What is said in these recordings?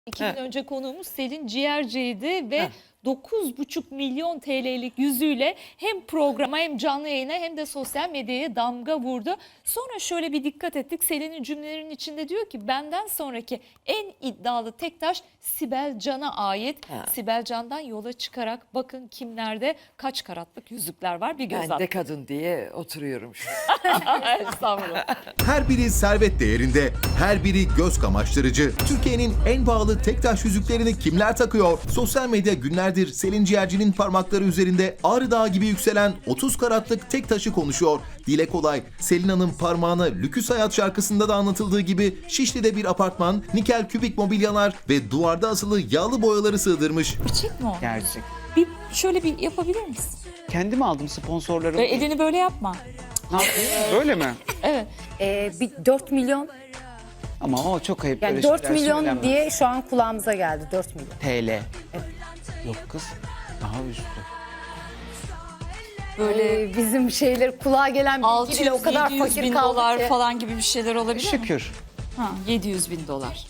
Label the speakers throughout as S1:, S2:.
S1: 2 gün önce konuğumuz Selin Ciğerci'ydi ve 9,5 milyon TL'lik yüzüğüyle hem programa hem canlı yayına hem de sosyal medyaya damga vurdu. Sonra şöyle bir dikkat ettik. Selin'in cümlelerinin içinde diyor ki benden sonraki en iddialı tek taş Sibel Can'a ait. Sibel Can'dan yola çıkarak bakın kimlerde kaç karatlık yüzükler var bir göz
S2: Ben
S1: atın.
S2: de kadın diye oturuyorum şu an.
S1: Estağfurullah.
S3: Her biri servet değerinde, her biri göz kamaştırıcı. Türkiye'nin en pahalı tek taş yüzüklerini kimler takıyor? Sosyal medya günlerdir Selin Ciğerci'nin parmakları üzerinde Ağrı Dağı gibi yükselen 30 karatlık tek taşı konuşuyor. Dile kolay, Selin Hanım parmağına Lüküs Hayat şarkısında da anlatıldığı gibi Şişli'de bir apartman, nikel kübik mobilyalar ve duvarda asılı yağlı boyaları sığdırmış.
S1: Gerçek mi o?
S4: Gerçek.
S1: Bir şöyle bir yapabilir misin?
S4: Kendim aldım sponsorlarım.
S1: Elini böyle yapma.
S4: Ne yapayım? Öyle mi?
S1: Evet.
S5: Bir 4 milyon,
S4: Ama o çok ayıp.
S5: yani
S4: böyle
S5: 4
S4: şeyler
S5: milyon
S4: söylenmez.
S5: diye şu an kulağımıza geldi, 4 milyon.
S4: TL. Yok kız. Daha üstü.
S1: Böyle
S5: Bizim şeyler kulağa gelen bilgiyle o kadar
S1: 600-700
S5: fakir
S1: bin
S5: kaldık
S1: dolar
S5: ki.
S1: falan gibi bir şeyler olabilir mi?
S4: Şükür.
S1: Ha, 700 bin dolar.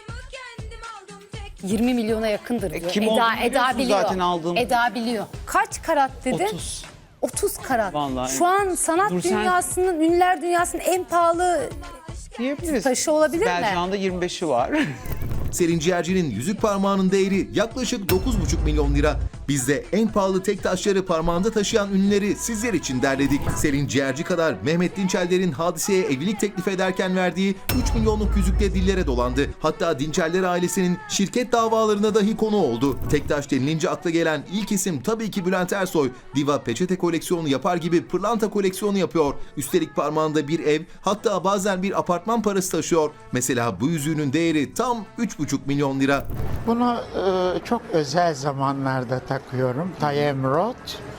S5: 20 milyona yakındır diyor.
S4: kim olduğunu biliyorsun zaten aldığım.
S5: Eda biliyor. Kaç karat dedi?
S4: 30.
S5: 30 karat.
S4: Vallahi.
S5: Şu an sanat
S4: Dur sen-
S5: dünyasının, ünlüler dünyasının en pahalı
S4: Diyebiliriz.
S5: taşı olabilir mi?
S4: Belcan'da 25'i var.
S3: Selin Ciğerci'nin yüzük parmağının değeri yaklaşık 9,5 milyon lira. Biz de en pahalı tek taşları parmağında taşıyan ünlüleri sizler için derledik. Selin Ciğerci kadar Mehmet Dinçerler'in Hadise'ye evlilik teklif ederken verdiği 3 milyonluk yüzükle dillere dolandı. Hatta Dinçerler ailesinin şirket davalarına dahi konu oldu. Tek taş denilince akla gelen ilk isim tabii ki Bülent Ersoy. Diva peçete koleksiyonu yapar gibi pırlanta koleksiyonu yapıyor. Üstelik parmağında bir ev, hatta bazen bir apartman parası taşıyor. Mesela bu yüzüğünün değeri tam 3,5 milyon lira.
S6: Bunu çok özel zamanlarda takıyorum. Tayemrot.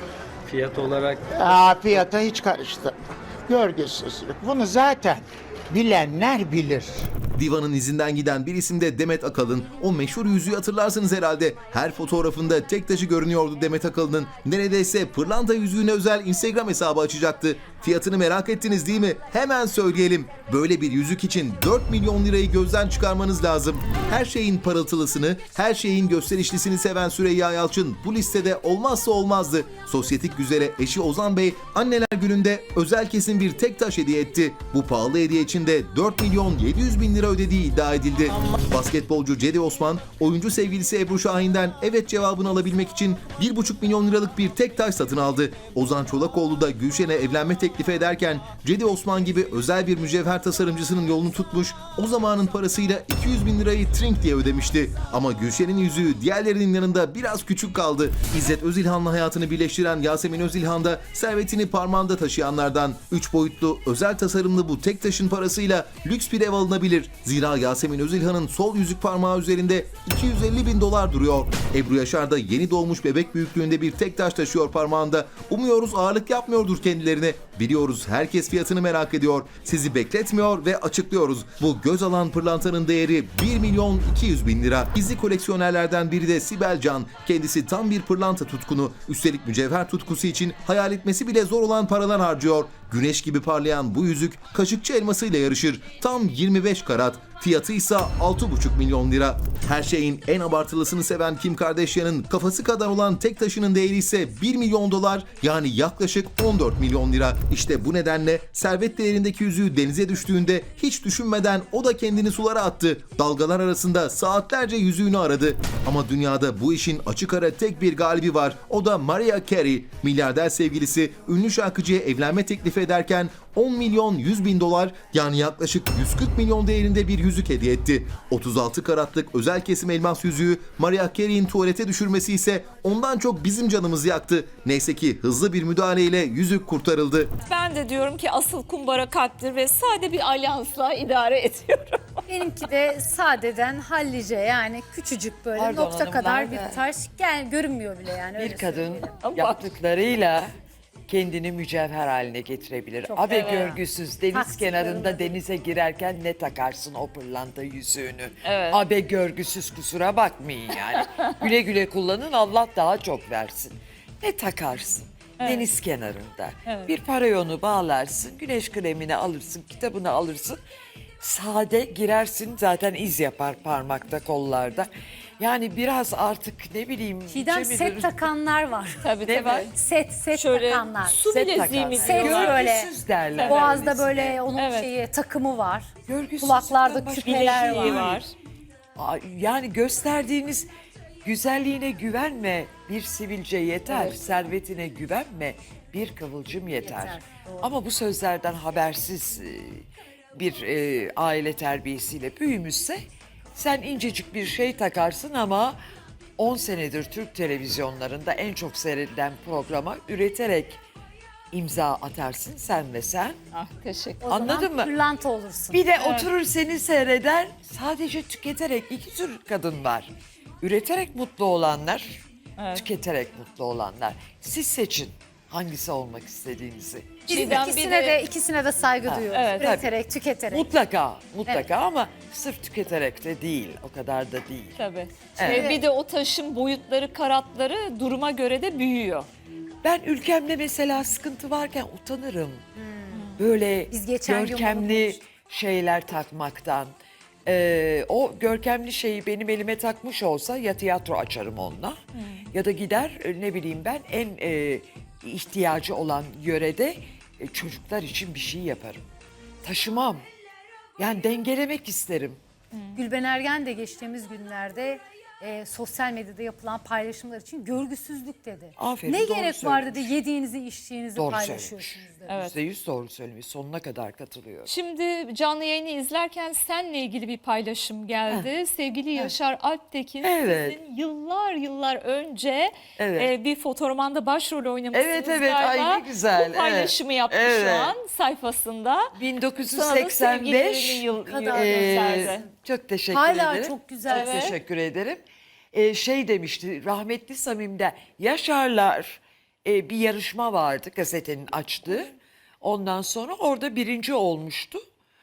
S7: Fiyat olarak
S6: Fiyata hiç karıştı. Görgüsüzlük. Bunu zaten bilenler bilir.
S3: Diva'nın izinden giden bir isim de Demet Akalın. O meşhur yüzüğü hatırlarsınız herhalde. Her fotoğrafında tek taşı görünüyordu Demet Akalın'ın. Neredeyse pırlanta yüzüğüne özel Instagram hesabı açacaktı. Fiyatını merak ettiniz değil mi? Hemen söyleyelim. Böyle bir yüzük için 4 milyon lirayı gözden çıkarmanız lazım. Her şeyin parıltılısını, her şeyin gösterişlisini seven Süreyya Yalçın bu listede olmazsa olmazdı. Sosyetik güzele eşi Ozan Bey anneler gününde özel kesim bir tek taş hediye etti. Bu pahalı hediye için de 4 milyon 700 bin lira ödediği iddia edildi. Basketbolcu Cedi Osman, oyuncu sevgilisi Ebru Şahin'den evet cevabını alabilmek için 1,5 milyon liralık bir tek taş satın aldı. Ozan Çolakoğlu da Gülşen'e evlenme teklifi ederken Cedi Osman gibi özel bir mücevher tasarımcısının yolunu tutmuş, o zamanın parasıyla 200 bin lirayı trink diye ödemişti. Ama Gülşen'in yüzüğü diğerlerinin yanında biraz küçük kaldı. İzzet Özilhan'la hayatını birleştiren Yasemin Özilhan da servetini parmağında taşıyanlardan. 3 boyutlu özel tasarımlı bu tek taşın parasıyla lüks bir ev alınabilir. Zira Yasemin Özilhan'ın sol yüzük parmağı üzerinde 250 bin dolar duruyor. Ebru Yaşar da yeni doğmuş bebek büyüklüğünde bir tek taş taşıyor parmağında. Umuyoruz ağırlık yapmıyordur kendilerine. Biliyoruz herkes fiyatını merak ediyor. Sizi bekletmiyor ve açıklıyoruz. Bu göz alan pırlantanın değeri 1 milyon 200 bin lira. Gizli koleksiyonerlerden biri de Sibel Can. Kendisi tam bir pırlanta tutkunu. Üstelik mücevher tutkusu için hayal etmesi bile zor olan paralar harcıyor. Güneş gibi parlayan bu yüzük kaşıkçı elmasıyla yarışır. Tam 25 karat. Fiyatı ise 6,5 milyon lira. Her şeyin en abartılısını seven Kim Kardashian'ın kafası kadar olan tek taşının değeri ise 1 milyon dolar, yani yaklaşık 14 milyon lira. İşte bu nedenle servet değerindeki yüzüğü denize düştüğünde hiç düşünmeden o da kendini sulara attı. Dalgalar arasında saatlerce yüzüğünü aradı. Ama dünyada bu işin açık ara tek bir galibi var. O da Mariah Carey. Milyarder sevgilisi ünlü şarkıcıya evlenme teklifi ederken 10 milyon 100 bin dolar, yani yaklaşık 140 milyon değerinde bir yüzük hediye etti. 36 karatlık özel kesim elmas yüzüğü Mariah Carey'in tuvalete düşürmesi ise ondan çok bizim canımızı yaktı. Neyse ki hızlı bir müdahaleyle yüzük kurtarıldı.
S1: Ben de diyorum ki asıl kumbara kalptir ve sade bir alyansla idare ediyorum.
S5: Benimki de sadeden hallice, yani küçücük böyle
S2: Pardon
S5: nokta
S2: hanımlar
S5: kadar
S2: da.
S5: bir taş. Görünmüyor bile yani. öyle
S2: bir kadın
S5: söyleyelim.
S2: yaptıklarıyla kendini mücevher haline getirebilir. Abe
S5: evet.
S2: görgüsüz deniz
S5: Taksitlerim
S2: kenarında
S5: de.
S2: denize girerken ne takarsın o pırlanta yüzüğünü.
S1: Evet.
S2: Abe görgüsüz, kusura bakmayın yani. Güle güle kullanın, Allah daha çok versin. Ne takarsın? Deniz kenarında. Bir parayonu bağlarsın, güneş kremini alırsın, kitabını alırsın. sade girersin zaten iz yapar parmakta, kollarda. Yani biraz artık ne bileyim.
S5: Çiğdem
S2: Cemil-
S5: set takanlar var.
S1: Tabii
S2: Ne
S1: tabii.
S2: var?
S5: Set
S1: Şöyle
S5: takanlar.
S1: su
S2: Set
S1: bileziği mi
S2: takarlar.
S5: Set
S1: diyorlar?
S5: böyle.
S2: Görgüsüz derler.
S5: Boğazda
S2: öylesine.
S5: böyle onun
S1: Evet.
S5: şeyi takımı var.
S2: Görgüsüzlükten
S5: Kulaklarda
S2: başka
S5: küpeler
S2: bir şey
S5: var.
S2: Yani gösterdiğiniz güzelliğine güvenme, bir sivilce yeter. Servetine güvenme, bir kıvılcım yeter.
S5: Yeter, doğru.
S2: Ama bu sözlerden habersiz bir aile terbiyesiyle büyümüşse sen incecik bir şey takarsın ama 10 senedir Türk televizyonlarında en çok seyredilen programa üreterek imza atarsın sen ve sen.
S1: Ah, teşekkür.
S5: O
S2: Anladın
S5: zaman
S2: mı?
S5: pırlanta olursun.
S2: Bir de oturur seni seyreder, sadece tüketerek iki tür kadın var. Üreterek mutlu olanlar, tüketerek mutlu olanlar. Siz seçin hangisi olmak istediğinizi.
S5: Biz
S1: Çiğdem, bir
S5: ikisine de saygı duyuyoruz.
S2: evet,
S5: Üreterek, tüketerek.
S2: Mutlaka ama sırf tüketerek de değil, o kadar da değil.
S1: Tabii.
S2: Evet.
S1: Bir de o taşın boyutları, karatları duruma göre de büyüyor.
S2: Ben ülkemde mesela sıkıntı varken utanırım. Böyle
S5: Biz geçen gün bunu
S2: görkemli
S5: konuştuk.
S2: şeyler takmaktan. O görkemli şeyi benim elime takmış olsa ya tiyatro açarım onunla ya da gider ne bileyim ben en ihtiyacı olan yörede çocuklar için bir şey yaparım. Taşımam. Yani dengelemek isterim.
S5: Gülben Ergen de geçtiğimiz günlerde sosyal medyada yapılan paylaşımlar için görgüsüzlük dedi.
S2: Aferin,
S5: Ne
S2: doğru
S5: gerek var dedi,
S2: söylemiş.
S5: yediğinizi içtiğinizi
S2: Doğru
S5: paylaşıyorsunuz dedi.
S1: Evet.
S2: %100 doğru söylemiş. Sonuna kadar katılıyorum.
S1: Şimdi canlı yayını izlerken seninle ilgili bir paylaşım geldi. Sevgili Yaşar Alptekin
S2: Evet.
S1: sizin yıllar önce
S2: Evet.
S1: bir fotoromanda başrol oynamışsınız
S2: Evet, evet. Ay,
S1: galiba.
S2: ne güzel.
S1: Bu paylaşımı
S2: Evet.
S1: yaptı
S2: Evet.
S1: şu an sayfasında. Sana da
S2: 1985
S1: sevgilerini gönderdi.
S2: çok teşekkür
S5: Hala
S2: ederim.
S5: çok güzel.
S2: Çok teşekkür ederim. Şey demişti rahmetli Samim'de Yaşarlar bir yarışma vardı gazetenin açtığı. Ondan sonra orada birinci olmuştu.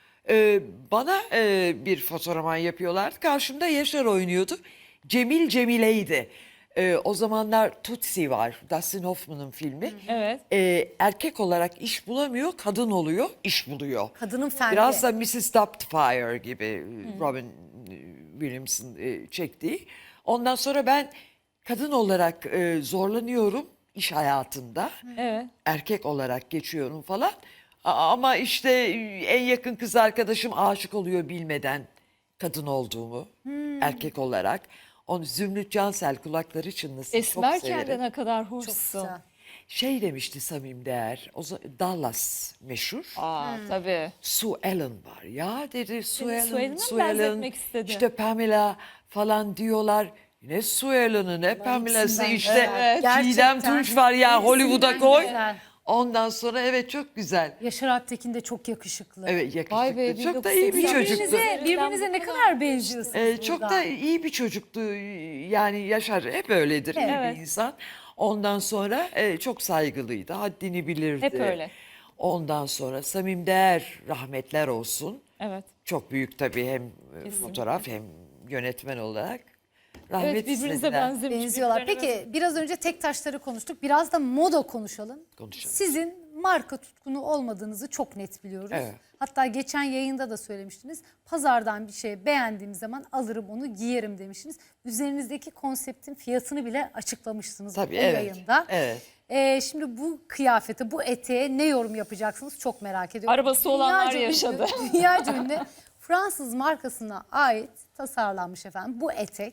S2: Bana bir fotoğraman yapıyorlardı. Karşımda Yaşar oynuyordu. Cemil Cemile'ydi. O zamanlar Tutsi var. Dustin Hoffman'ın filmi.
S1: Evet.
S2: Erkek olarak iş bulamıyor, kadın oluyor, iş buluyor.
S5: Kadının fendi.
S2: Biraz da Mrs. Doubtfire gibi Robin Williams'ın çektiği. Ondan sonra ben kadın olarak zorlanıyorum iş hayatında.
S1: Evet.
S2: Erkek olarak geçiyorum falan. Ama işte en yakın kız arkadaşım aşık oluyor bilmeden kadın olduğumu erkek olarak. Onu Zümrüt Cansel kulakları çınlasın çok
S1: Esmerken de
S2: severim.
S1: ne kadar
S5: Çok
S1: hoşsun.
S5: güzel.
S2: Şey demişti Samim Değer, Dallas meşhur.
S1: Aa, tabii.
S2: Sue Ellen var ya dedi.
S1: Sue Ellen'a mı benzetmek istedi?
S2: İşte Pamela falan diyorlar. Ne Sue Ellen'ı ne Pamela'sı
S5: ikisinden
S2: işte.
S5: güzel.
S2: Çiğdem
S5: Gerçekten.
S2: Tunç var ya
S5: İkisinden
S2: Hollywood'a koy.
S5: güzel.
S2: Ondan sonra evet çok güzel.
S5: Yaşar Alptekin de çok yakışıklı.
S2: Evet yakışıklı.
S1: Vay be,
S2: Çok da iyi bir
S1: 1980.
S2: çocuktu.
S5: Birbirinize ne kadar benziyorsunuz
S2: Çok
S5: burada.
S2: da iyi bir çocuktu. Yani Yaşar hep öyledir. iyi
S1: Evet.
S2: bir insan. Ondan sonra çok saygılıydı. Haddini bilirdi.
S1: Hep öyle.
S2: Ondan sonra Samim Değer rahmetler olsun.
S1: Evet.
S2: Çok büyük tabii hem fotoğraf hem yönetmen olarak. Rahmet
S1: Evet, birbirinize
S2: istediler.
S5: Benziyorlar.
S1: birbirlerine
S5: Peki biraz önce tek taşları konuştuk. Biraz da moda konuşalım.
S2: Konuşalım.
S5: Sizin marka tutkunu olmadığınızı çok net biliyoruz.
S2: Evet.
S5: Hatta geçen yayında da söylemiştiniz. Pazardan bir şey beğendiğim zaman alırım onu giyerim demiştiniz. Üzerinizdeki konseptin fiyatını bile açıklamışsınız
S2: Tabii,
S5: o
S2: evet,
S5: yayında.
S2: evet.
S5: Şimdi bu kıyafete, bu eteğe ne yorum yapacaksınız çok merak ediyorum.
S1: Arabası olanlar
S5: Dünyaca
S1: yaşadı.
S5: Dünyaca ünlü Fransız markasına ait tasarlanmış efendim bu etek.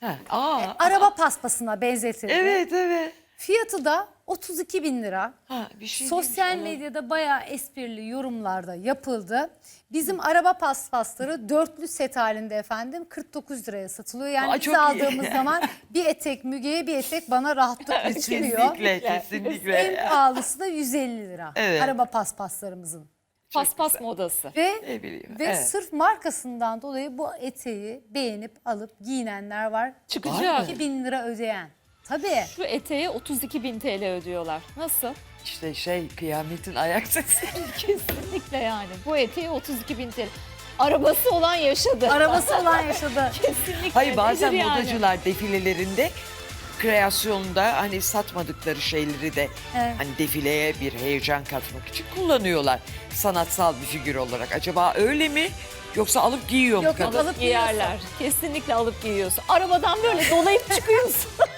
S5: Araba paspasına benzetildi.
S2: Evet evet.
S5: Fiyatı da 32.000 lira.
S2: Bir şey
S5: Sosyal
S2: demiş,
S5: medyada bayağı esprili yorumlarda yapıldı. Bizim araba paspasları dörtlü set halinde efendim 49 liraya satılıyor. Yani
S2: Aa,
S5: biz
S2: çok iyi.
S5: aldığımız zaman bir etek Müge'ye bir etek bana rahatlıkla çıkıyor.
S2: Kesinlikle.
S5: En pahalısı da 150 lira.
S2: Evet.
S5: Araba paspaslarımızın.
S1: Paspas modası.
S5: Ve
S2: Ne bileyim,
S5: ve
S2: evet.
S5: sırf markasından dolayı bu eteği beğenip alıp giyinenler var.
S1: Çıkacak.
S5: 2.000 lira ödeyen. Tabii.
S1: Şu eteğe 32.000 TL ödüyorlar. Nasıl?
S2: İşte kıyametin ayak sesi.
S1: Kesinlikle yani. Bu eteğe 32.000 TL. Arabası olan yaşadı.
S5: Arabası olan yaşadı.
S1: Kesinlikle.
S2: Hayır bazen
S1: Nedir yani?
S2: modacılar defilelerinde kreasyonda hani satmadıkları şeyleri de
S5: Evet.
S2: hani defileye bir heyecan katmak için kullanıyorlar. Sanatsal bir figür olarak. Acaba öyle mi? Yoksa alıp giyiyor mu
S5: Yok,
S2: kadın?
S5: alıp giyiyorsun.
S1: Giyerler. Kesinlikle alıp giyiyorsun. Arabadan böyle dolayıp çıkıyorsun.